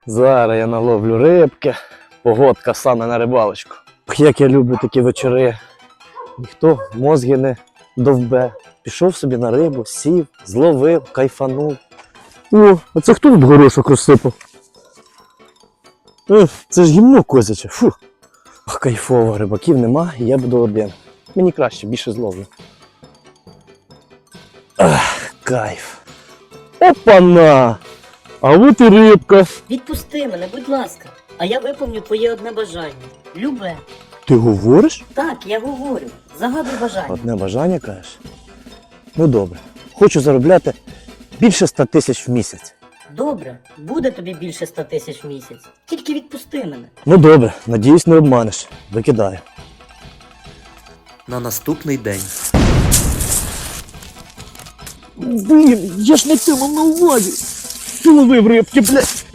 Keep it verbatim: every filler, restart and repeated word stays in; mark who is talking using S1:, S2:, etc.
S1: Зараз я наловлю рибки. Погодка саме на рибалочку. Як я люблю такі вечори. Ніхто мозги не довбе. Пішов собі на рибу, сів, зловив, кайфанув. О, а це хто тут горошок розсипав? Е, це ж гімно козяче. Фу. Ох, кайфово, рибаків нема, і я буду один. Мені краще, більше зловлю. Ах, кайф. Опана! А от і рибка.
S2: Відпусти мене, будь ласка, а я виповню твоє одне бажання. Любе.
S1: Ти говориш?
S2: Так, я говорю. Загадуй бажання.
S1: Одне бажання, кажеш? Ну добре. Хочу заробляти більше ста тисяч в місяць.
S2: Добре, буде тобі більше ста тисяч в місяць. Тільки відпусти мене.
S1: Ну добре, надіюсь, не обманеш. Викидаю.
S3: На наступний день.
S1: Блін, я ж не цьому на увазі. Ловив рибки, блядь.